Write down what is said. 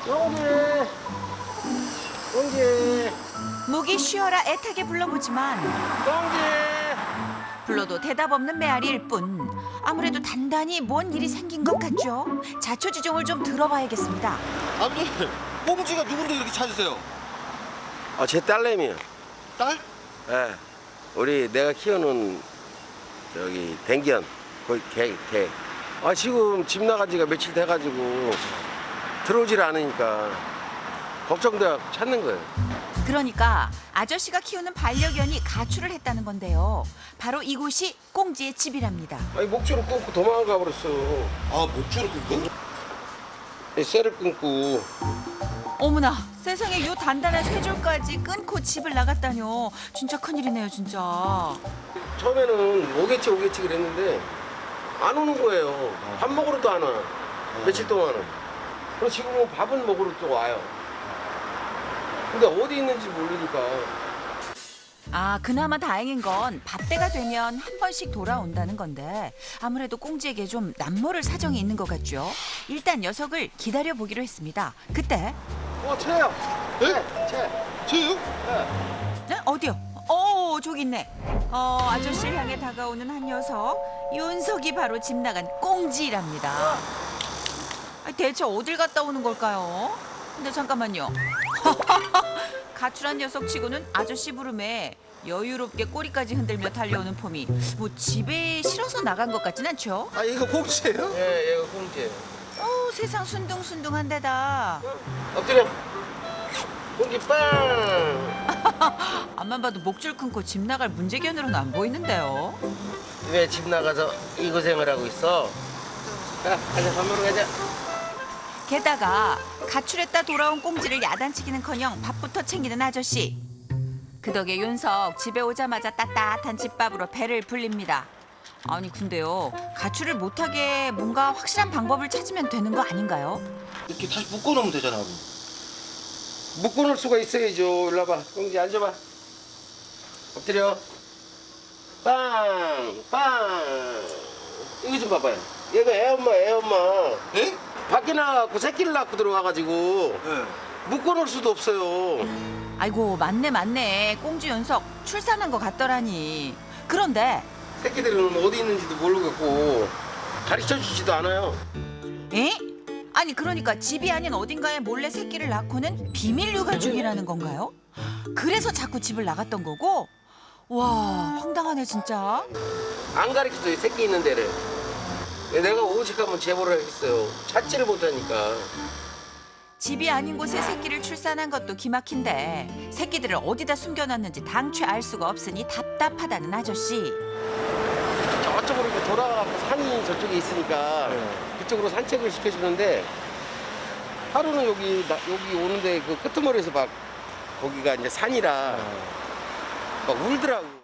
꽁지, 꽁지, 목이 쉬어라 애타게 불러보지만 꽁지. 불러도 대답 없는 메아리일 뿐. 아무래도 단단히 뭔 일이 생긴 것 같죠. 자초지종을 좀 들어봐야겠습니다. 아버지, 꽁지가 누군데 이렇게 찾으세요? 제 딸내미요. 딸? 예. 우리 내가 키우는 저기 댕견, 거기 개. 지금 집 나간 지가 며칠 돼가지고 들어오질 않으니까 걱정돼 찾는 거예요. 그러니까 아저씨가 키우는 반려견이 가출을 했다는 건데요. 바로 이곳이 꽁지의 집이랍니다. 목줄을 끊고 도망가 버렸어. 아, 목줄을 끊고? 쇠를 끊고. 어머나, 세상에 요 단단한 쇠줄까지 끊고 집을 나갔다뇨. 진짜 큰일이네요, 진짜. 처음에는 오겠지 그랬는데 안 오는 거예요. 밥 먹으러도 안 와. 며칠 동안은. 그리고 지금은 밥은 먹으러 또 와요. 근데 어디 있는지 모르니까. 그나마 다행인 건 밥때가 되면 한 번씩 돌아온다는 건데 아무래도 꽁지에게 좀 남모를 사정이 있는 것 같죠. 일단 녀석을 기다려보기로 했습니다. 그때 채요. 네? 쟤요? 네? 어디요? 저기 있네. 아저씨를 향해 다가오는 한 녀석. 윤석이 바로 집 나간 꽁지랍니다. 대체 어딜 갔다 오는 걸까요? 근데 잠깐만요. 가출한 녀석치고는 아저씨 부름에 여유롭게 꼬리까지 흔들며 달려오는 폼이 뭐 집에 실어서 나간 것 같진 않죠? 이거 꽁지예요? 예, 얘가 꽁지예요. 세상 순둥순둥한 데다. 엎드려. 꽁지 빵. 앞만 봐도 목줄 끊고 집 나갈 문제견으로는 안 보이는데요. 왜 집 나가서 이 고생을 하고 있어? 자, 가자, 밥 먹으러 가자. 게다가 가출했다 돌아온 꽁지를 야단치기는커녕 밥부터 챙기는 아저씨. 그 덕에 윤석 집에 오자마자 따뜻한 집밥으로 배를 불립니다. 아니 근데요, 가출을 못하게 뭔가 확실한 방법을 찾으면 되는 거 아닌가요? 이렇게 다시 묶어놓으면 되잖아, 아버지. 묶어놓을 수가 있어야죠. 일로 와봐. 꽁지 앉아봐. 엎드려. 빵, 빵. 이거 좀 봐봐요. 얘가 애엄마. 예? 밖에 나가고 새끼를 낳고 들어와가지고 예. 묶어놓을 수도 없어요. 아이고 맞네. 꽁지 윤석 출산한 것 같더라니. 그런데 새끼들은 어디 있는지도 모르겠고 가르쳐주지도 않아요. 에? 아니 그러니까 집이 아닌 어딘가에 몰래 새끼를 낳고는 비밀 육아 중이라는 건가요? 그래서 자꾸 집을 나갔던 거고? 와 황당하네 진짜. 안 가르쳐줘요, 새끼 있는 데를. 내가 오직하면 제보를 하겠어요. 찾지를 못하니까. 집이 아닌 곳에 새끼를 출산한 것도 기막힌데 새끼들을 어디다 숨겨놨는지 당최 알 수가 없으니 답답하다는 아저씨. 저쪽으로 이렇게 돌아가고 산이 저쪽에 있으니까 그쪽으로 산책을 시켜주는데 하루는 여기 오는데 그 끄트머리에서 막 거기가 이제 산이라 막 울더라고.